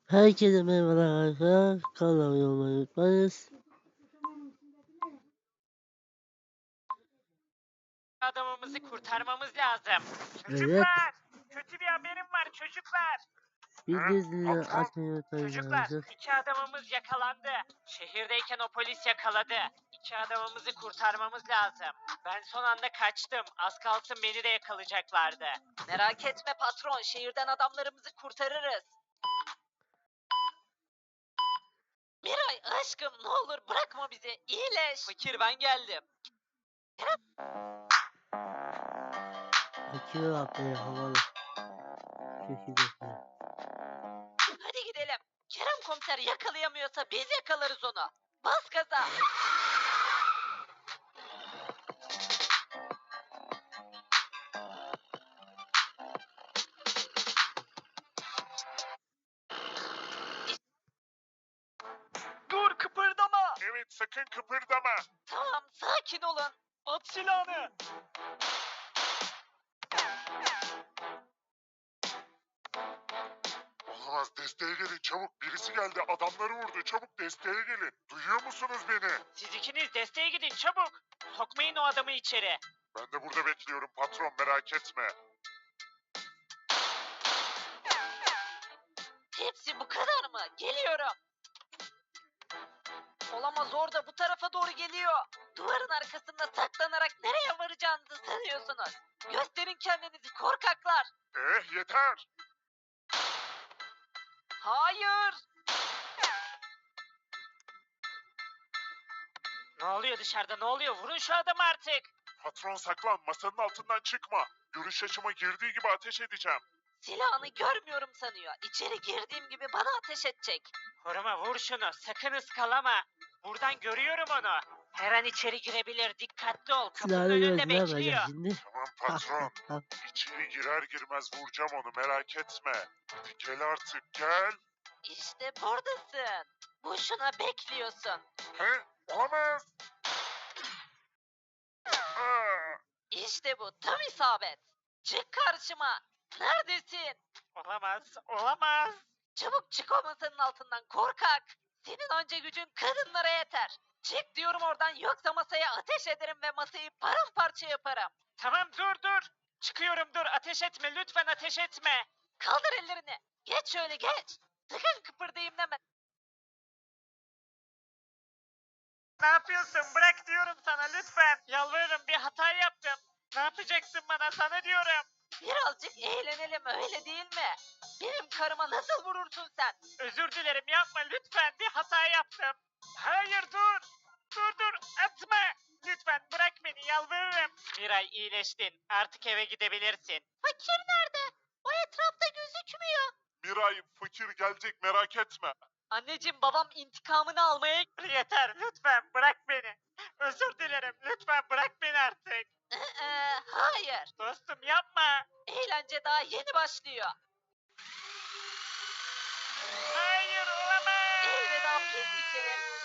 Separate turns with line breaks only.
Herkese merhabalar arkadaşlar. Kanalıma olmayı unutmayınız.
Adamımızı kurtarmamız lazım.
Evet.
Çocuklar! Kötü bir haberim var çocuklar.
Bildirimleri açmayı unutmayın
Çocuklar,
arkadaşlar.
2 adamımız yakalandı. Şehirdeyken o polis yakaladı. 2 adamımızı kurtarmamız lazım. Ben son anda kaçtım. Az kalsın beni de yakalayacaklardı. Merak etme patron, şehirden adamlarımızı kurtarırız. Miray aşkım ne olur bırakma bizi. İyileş. Fakir ben geldim.
Akıyor abi havalı. Köşede.
Hadi gidelim. Kerem komiser yakalayamıyorsa biz yakalarız onu. Bas gaza. Dur kıpırdama.
Evet, sakın kıpırdama.
Tamam sakin olun. At silahını.
Olamaz, desteğe gelin çabuk. Birisi geldi, adamları vurdu. Çabuk desteğe gelin. Duyuyor musunuz beni?
Siz ikiniz desteğe gidin çabuk. Sokmayın o adamı içeri.
Ben de burada bekliyorum patron, merak etme.
Hepsi bu kadar mı? Geliyorum. Olamaz orada bu tarafa doğru geliyor. Duvarın arkasında saklanarak nereye varacağınızı sanıyorsunuz. Gösterin kendinizi korkaklar.
Yeter.
Hayır. Ne oluyor dışarıda ne oluyor? Vurun şu adamı artık.
Patron saklan, masanın altından çıkma. Görüş açıma girdiği gibi ateş edeceğim.
Silahını görmüyorum sanıyor. İçeri girdiğim gibi bana ateş edecek. Koruma vur şunu. Sakın ıskalama. Buradan görüyorum onu. Her an içeri girebilir. Dikkatli ol. Kapının
Silahını
önünde
gözüne
bekliyor.
bakacak şimdi.
Tamam patron. İçeri girer girmez vuracağım onu, merak etme. Hadi gel artık, gel.
İşte buradasın. Boşuna bekliyorsun.
Olamaz. Aa!
İşte bu. Tam isabet. Çık karşıma. Neredesin? Olamaz. Olamaz. Çabuk çık o masanın altından korkak. Senin önce gücün kadınlara yeter. Çık diyorum oradan yoksa masaya ateş ederim ve masayı paramparça yaparım. Tamam dur. Çıkıyorum dur ateş etme lütfen ateş etme. Kaldır ellerini. Geç şöyle geç. Sakın kıpırdayım deme. Ne yapıyorsun? Bırak diyorum sana lütfen. Yalvarırım bir hata yaptım. Ne yapacaksın bana sana diyorum. Birazcık eğlenelim öyle değil mi? Benim karıma nasıl vurursun sen? Özür dilerim yapma lütfen bir hata yaptım. Hayır dur. Dur atma. Lütfen bırak beni yalvarırım. Miray iyileştin. Artık eve gidebilirsin. Fakir nerede? O etrafta gözükmüyor.
Miray, fakir gelecek, merak etme.
Anneciğim babam intikamını almaya... Yeter lütfen bırak beni. Özür dilerim lütfen bırak beni artık. Hayır. Dostum yapma. Eğlence daha yeni başlıyor. Hayır olamaz. Elveda pislik herif.